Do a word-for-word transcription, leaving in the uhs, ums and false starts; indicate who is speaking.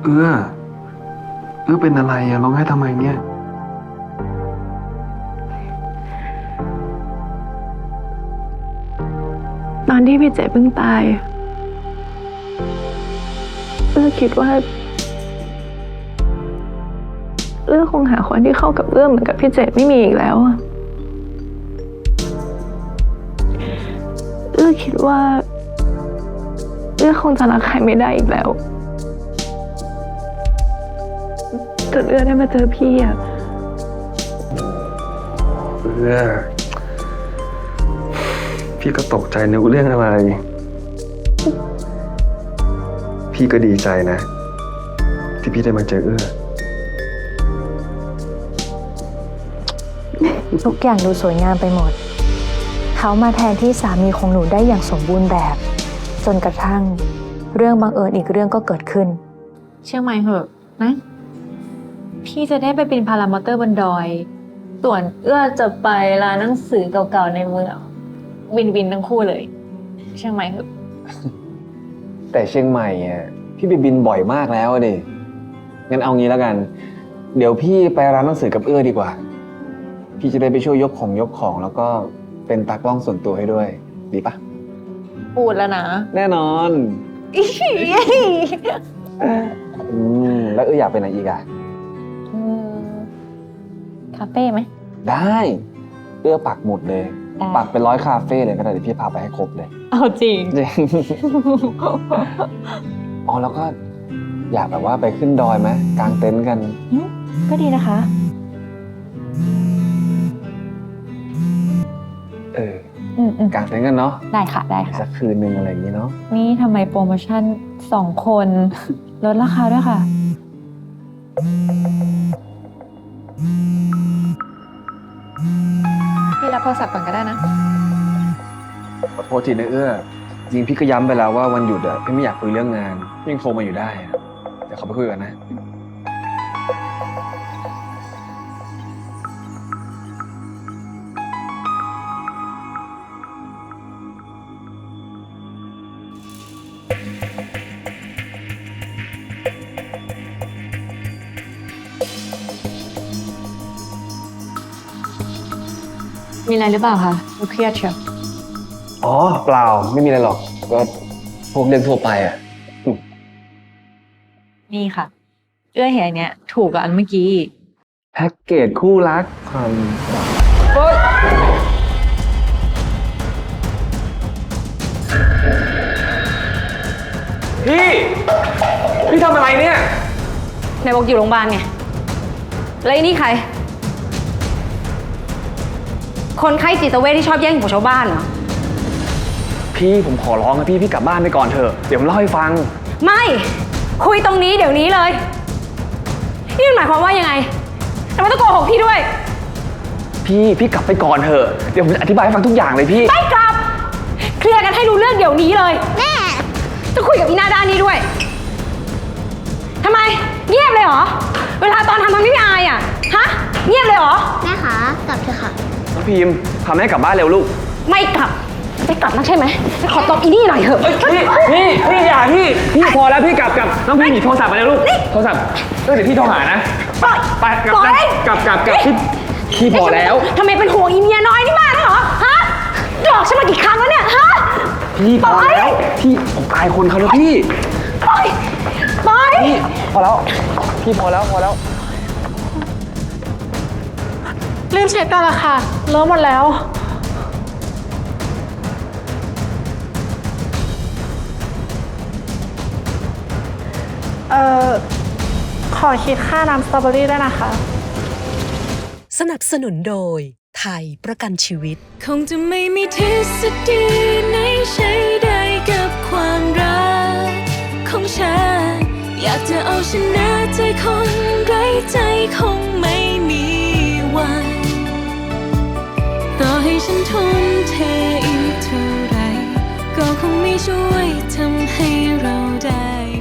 Speaker 1: เอื้อเอื้อเป็นอะไรอะร้องไห้ทำไมเนี่ย
Speaker 2: ตอนที่พี่เจ๋เพิ่งตายเอื้อคิดว่าเอื้อคงหาคนที่เข้ากับเอื้อเหมือนกับพี่เจ๋ไม่มีอีกแล้วเอื้อคิดว่าเอื้อคงจะรักใครไม่ได้อีกแล้วจนเอื้อได้มาเจอพี่อะ
Speaker 1: เอื้อพี่ก็ตกใจนึกเรื่องอะไรพี่ก็ดีใจนะที่พี่ได้มาเจอเอื้อ
Speaker 3: ทุกอย่างดูสวยงามไปหมดเขามาแทนที่สามีของหนูได้อย่างสมบูรณ์แบบ จนกระทั่งเรื่องบังเอิญอีกเรื่องก็เกิดขึ้น
Speaker 4: เชื่อไหมเหอะนะพี่จะได้ไปเป็นพารามอเตอร์บนดอยส่วนเอื้อจะไปร้านหนังสือเก่าๆในเมืองวินวินทั้งคู่เลยเชื่อไหมเหอะ
Speaker 5: แต่เชียงใหม่อ่ะพี่ไปบินบ่อยมากแล้วดิงั้นเอางี้แล้วกันเดี๋ยวพี่ไปร้านหนังสือกับเอื้อดีกว่าพี่จะได้ไปช่วยยกของยกของแล้วก็เป็นตากล้องส่วนตัวให้ด้วยดีปะ
Speaker 4: พูดแล้วนะ
Speaker 5: แน่นอนอืมแล้วเอื้ออยากไปไหนอีกอ่ะ
Speaker 4: คาเฟ่ไหม
Speaker 5: ได้เอื้อปักหมุดเลยปักเป็นร้อยคาเฟ่เลยก็ได้เดี๋ยวพี่พาไปให้ครบเลย
Speaker 4: เอาจริง
Speaker 5: จริงอ๋อแล้วก็อยากแบบว่าไปขึ้นดอยไหมกางเต็นท์กัน
Speaker 3: ก็ดีนะคะ
Speaker 5: เออกางเต็นท์กันเนาะ
Speaker 4: ได้ค่ะได้ค่ะ
Speaker 5: สักคืนนึงอะไรอย่างนี้เนาะ
Speaker 4: นี่ทำไมโปรโมชั่นสองคนลดราคาด้วยค่ะพี่รับโทรศัพท์ก่อนก็ได้นะ
Speaker 5: ขอโทษทีนะเอื้อจริงพี่ก็ย้ำไปแล้วว่าวันหยุดอะพี่ไม่อยากคุยเรื่องงานพี่ยังโทรมาอยู่ได้เดี๋ยวเขาไปคุยกันนะ
Speaker 4: มีอะไรหรือเปล่าคะดูเครียดเชียว
Speaker 5: อ๋อเปล่าไม่มีอะไรหรอกก็พวกเรื่องทั่วไปอ่ะ
Speaker 4: นี่ค่ะเอื้อเห็นอันเนี้ยถูกกับอันเมื่อกี้
Speaker 5: แพ็กเกจคู่รักความเฮ้ยพี่พี่ทำอะไรเนี่ย
Speaker 4: ไหนบอกอยู่โรงพยาบาลไงแล้วไอ้นี่ใครคนไข้จิตเวชที่ชอบแย่งของชาวบ้านเหรอ
Speaker 5: พี่ผมขอร้องนะพี่พี่กลับบ้านไปก่อนเถอะเดี๋ยวผมเล่าให้ฟัง
Speaker 4: ไม่คุยตรงนี้เดี๋ยวนี้เลยนี่มันหมายความว่ายังไงทำไมต้องโกหกพี่ด้วย
Speaker 5: พี่พี่กลับไปก่อนเถอะเดี๋ยวผมจะอธิบายให้ฟังทุกอย่างเลยพี่
Speaker 4: ไม่กลับเคลียร์กันให้รู้เรื่องเดี๋ยวนี้เลยแม่จะคุยกับอีหน้าด้านนี้ด้วยทำไมเงียบเลยเหรอเวลาตอนทำทำไม่อายอ่ะฮะเงียบเลยเหรอ
Speaker 6: แม่คะกลับเถอะค่ะ
Speaker 5: น้องพิมพ์พาแม่กลับบ้านเร็วลูก
Speaker 4: ไม่กลับไม่กลับนะใช่ไหมขอตบอีนี่หน่อยเถอะ
Speaker 5: พี่พี่พี่อย่าพี่พี่พอแล้วพี่กลับกับน้องพิมพ์หยิบโทรศัพท์มาเลยลูกโทรศัพท์เออเดี๋ยวพี่โทรหานะไปกลับกลับกลับกลับพี่พี่พอแล้ว
Speaker 4: ทำไมเป็นห่วงอีเมียน้อยนี่มากเหรอฮะหลอกฉันมากี่ครั้งแล้วเนี่ยฮะ
Speaker 5: พี่พอแล้วพี่ผมอายคนเขาแล้วพี่
Speaker 4: ปล่อยปล่อย
Speaker 5: พี่พอแล้วพี่พอแล้วพอแล้ว
Speaker 2: รีบเช็คกันละค่ะเลอะหมดแล้วเอ่อขอคิดค่าน้ำสตรอเบอรี่ด้วยนะคะ
Speaker 7: สนับสนุนโดยไทยประกันชีวิต
Speaker 8: คงจะไม่มีทฤษฎีไหนใช้ได้กับความรักของฉันอยากจะเอาชนะใจคนไร้ใจคงไม่มีวันต่อให้ฉันทุ่มเทอีกเท่าไรก็คงไม่ช่วยทำให้เรา